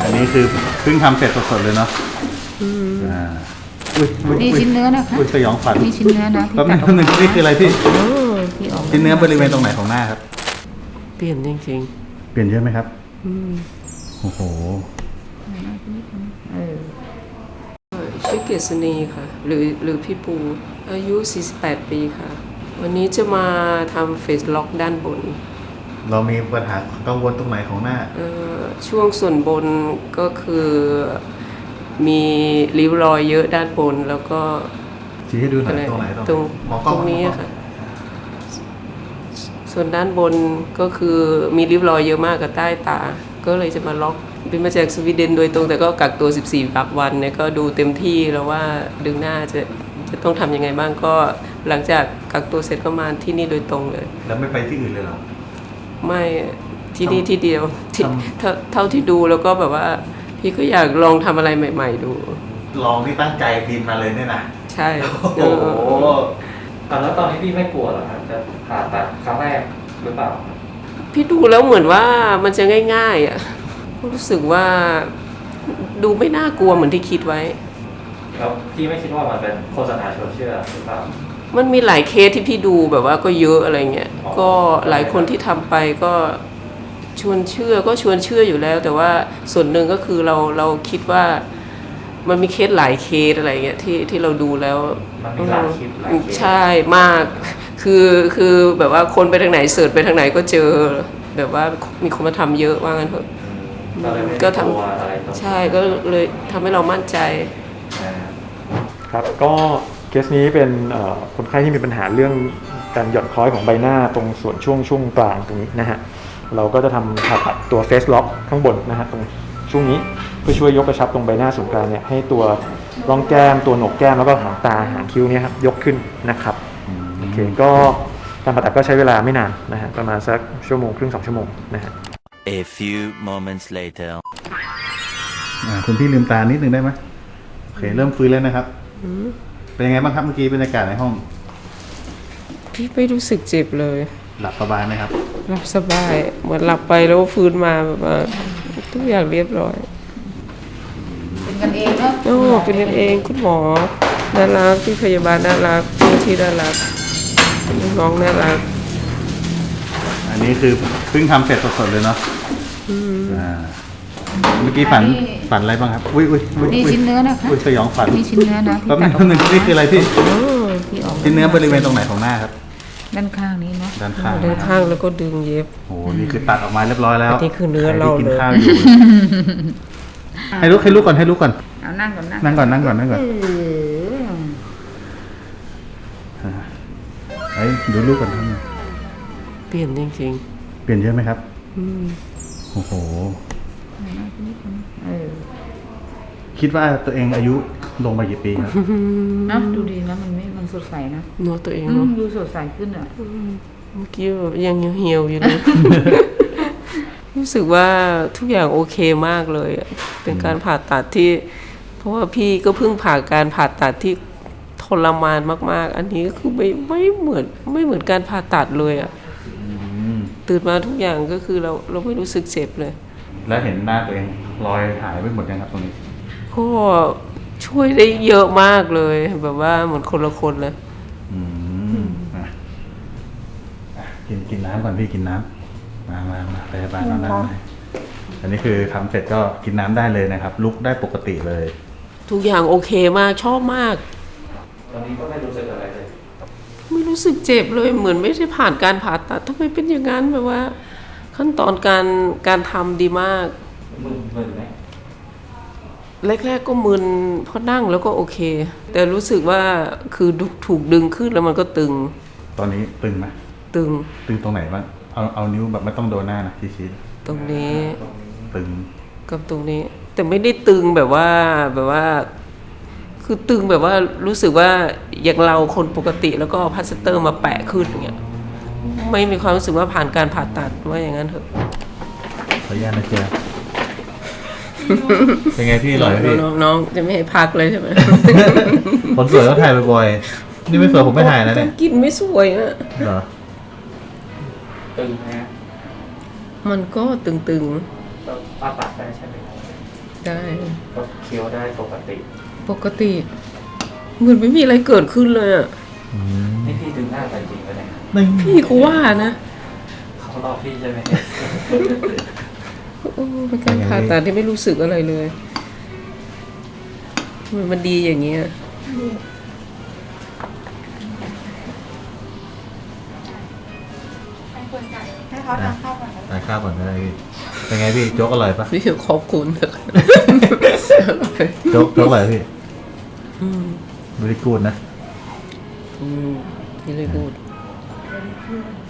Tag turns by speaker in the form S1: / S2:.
S1: อันนี้คือเพิ่งทำเสร็จสดๆเลยเนาะ
S2: นี่ชิ้นเนื้อนะคะ
S1: สยองฝัน
S2: นี่ชิ้นเนื้อนะ
S1: แป๊บนึงนี่คืออะไรพี่
S2: ที่ออก
S1: ชิ้นเนื้อบริเวณตรงไหนของหน้าครับ
S3: เปลี่ยนจริง
S1: ๆเปลี่ยนเยอะไหมครับโอ้โห
S3: ชื่อเกษณีค่ะหรือพี่ปูอายุ48ปีค่ะวันนี้จะมาทำเฟซล็อกด้านบน
S1: เรามีปัญหากังวลตรงไหนของหน้า
S3: ช่วงส่วนบนก็คือมีริ้วรอยเยอะด้านบนแล้วก็
S1: ชี้ให้ดูหน่อยตรงไหน
S3: ตรงนี้ค่ะส่วนด้านบนก็คือมีริ้วรอยเยอะมากกับใต้ตาก็เลยจะมาล็อกเป็นมาจากสวีเดนโดยตรงแต่ก็กักตัว14 วันเนี่ยก็ดูเต็มที่แล้วว่าดึงหน้าจะต้องทำยังไงบ้างก็หลังจากกักตัวเสร็จก็มาที่นี่โดยตรงเลย
S1: แล้วไม่ไปที่อื่นเลยเหรอ
S3: ไม่ที่นี่ที่เดียวเท่าที่ดูแล้วก็แบบว่าพี่ก็อยากลองทำอะไรใหม่ๆดู
S1: ลองที่ตั้งใจบินมาเลยเนี่ยนะ
S3: ใช่
S4: โอ้โหแล้วตอนนี้พี่ไม่กลัวหรอครับจะผ่าตัดครั้งแรกหรือเปล่า
S3: พี่ดูแล้วเหมือนว่ามันจะง่ายๆอ่ะรู้สึกว่าดูไม่น่ากลัวเหมือนที่คิดไว้
S4: แล้วพี่ไม่คิดว่ามันเป็นโฆษณาชวนเชื่อหรือเปล่า
S3: มันมีหลายเคสที่พี่ดูแบบว่าก็เยอะอะไรเงี้ยก็หลายคนที่ทำไปก็ชวนเชื่ออยู่แล้วแต่ว่าส่วนหนึ่งก็คือเราคิดว่ามันมีเคสหลายเคสอะไรเงี้ยที่เราดูแล้ว
S4: มันมีหลายคลิป
S3: ใช่มากคือแบบว่าคนไปทางไหนเสิร์ชไปทางไหนก็เจอแบบว่ามีคนมาทำเยอะว่างั้นเถอะก็ทำใช่ก็เลยทำให้เรามั่นใจ
S5: ครับก็เคสนี้เป็นคนไข้ที่มีปัญหาเรื่องการหย่อนคล้อยของใบหน้าตรงส่วนช่วงกลางตรงนี้นะฮะเราก็จะทำผ่าตัดตัวเฟสล็อกข้างบนนะฮะตรงช่วงนี้เพื่อช่วยยกกระชับตรงใบหน้าส่วนกลางเนี่ยให้ตัวร่องแก้มตัวโหนกแก้มแล้วก็หางตาหางคิ้วเนี่ยครับยกขึ้นนะครับโอเคก็การผ่าตัดก็ใช้เวลาไม่นานนะฮะประมาณสัก1.5 ชั่วโมง2 ชั่วโมงนะฮะ
S6: A few moments later
S1: คุณพี่ลืมตานิดนึงได้ไหมโอเคเริ่มฟื้นแล้วนะครับเป็นยังไงบ้างครับเมื่อกี้บรรยากาศในห้อง
S3: พี่ไม่รู้สึกเจ็บเลย
S1: หลับสบายไหมครับ
S3: หลับสบายเหมือนหลับไปแล้วฟื้นมาแบบว่าทุกอย่างเรียบร้อย
S2: เป็นกันเองเนาะ
S3: เป็นกันเองคุณหมอน่ารักพี่พยาบาลน่ารักที่น่ารักน้องน่ารัก
S1: อันนี้คือเพิ่งทำเสร็จสดๆเลยเนาะเมื่อกี้ฝันอะไรบ้างครับ
S2: นี่ชิ้นเนื้อนะคะ
S1: สยองฝัน
S2: นี่ชิ้นเนื้อนะ
S1: แป๊บนึงนี่คืออะไรพี่ชิ้นเนื้อบริเวณตรงไหนของหน้าครับ
S2: ด้านข้างนี้เนาะ
S1: ด้านข้าง
S3: แล้วก็ดึงเย็บ
S1: โอ้นี่คือตัดออกมาเรียบร้อยแล้ว
S3: นี่คือเนื้อเรา
S1: กินข้าวอยู่ให้ลุกก่อน
S2: เอานั่งก่อน
S1: เฮ้ยดูลูกก่อนทำไง
S3: เปลี่ยนจริง
S1: ๆเปลี่ยนเยอะไหมครับโอ้โหคิดว่าตัวเองอายุลงมากี่ปีครับ
S2: นะดูดีนะมันสดใสนะ
S3: เนาะตัวเองเนาะ
S2: ดูสดใสขึ้นอ่ะ
S3: เมื่อกี้แบบยังเหี่ยวอยู่เลยรู้สึกว่าทุกอย่างโอเคมากเลยเป็นการผ่าตัดที่เพราะว่าพี่ก็เพิ่งผ่าการผ่าตัดที่ทรมานมากๆอันนี้ก็คือไม่เหมือนการผ่าตัดเลยอ่ะตื่นมาทุกอย่างก็คือเราไม่รู้สึกเจ็บเลย
S1: แล้วเห็นหน้าตัวเองรอยหายไปหมดยังครับตรงนี้
S3: ก็ช่วยได้เยอะมากเลยแบบว่าเหมือนคนละคนเลย
S1: กินน้ำก่อนพี่กินน้ำมาไปบ้านเราได้อันนี้คือทำเสร็จก็กินน้ำได้เลยนะครับลุกได้ปกติเลย
S3: ทุกอย่างโอเคมากชอบมาก
S4: ตอนนี้ก็ไม่รู้สึกอะไรเลย
S3: ไม่รู้สึกเจ็บเลยเหมือนไม่ได้ผ่านการผ่าตัดทำไมเป็นอย่างนั้นแบบว่าขั้นตอนการทำดีมาก
S4: มึนไหม
S3: แรกๆก็มึนเพราะนั่งแล้วก็โอเคแต่รู้สึกว่าคือถูกดึงขึ้นแล้วมันก็ตึง
S1: ตอนนี้ตึงไหม
S3: ตึง
S1: ตรงไหนบ้างเอานิ้วแบบไม่ต้องโดนหน้านะชี้
S3: ตรงนี้
S1: ตึง
S3: กับตรงนี้แต่ไม่ได้ตึงแบบว่าคือตึงแบบว่ารู้สึกว่าอย่างเราคนปกติแล้วก็พลาสเตอร์มาแปะขึ้นอย่างเงี้ยไม่มีความรู้สึกว่าผ่านการผ่าตัดว่าอย่างนั้นเถอะ
S1: ขออนุญาตนะเจ๊เป็นไงพี่อร่อยพี่
S3: น้องจะไม่ให้พักเลยใช่ไหม
S1: คนสวยต้องถ่ายบ่อยๆนี่ไม่สวยผมไม่ถ่ายนะเนี่ย
S3: กินไม่สวยนะ
S1: เหรอ
S4: ตึงไหม
S3: มันก็ตึง
S4: ผ่าตัดได้ใช่ไหม
S3: ใช่
S4: ก็เคี้ยวได้ปกติ
S3: ปกติเหมือนไม่มีอะไรเกิดขึ้นเลยอ่ะ
S1: อืม
S4: นี่พี่ดึงหน้าไปจริงปะเนี่ย
S1: นี่
S3: พี่ก็ว่านะ
S4: เขารอพี่ใช่ไหม
S3: โอ้เป็นการผ่าตัดที่ไม่รู้สึกอะไรเลยมันดีอย่างเงี้ย
S7: ให้เขาทานข้าวก่อนนะ
S1: ทานข้าวก่อนก็ได้พี่เป็นไงพี่โจ๊กอร่อยปะ
S3: พี่ขอบคุณนะคะ
S1: โจ๊กอร่อยพี่บริกูดนะ
S3: นี่เลยพูด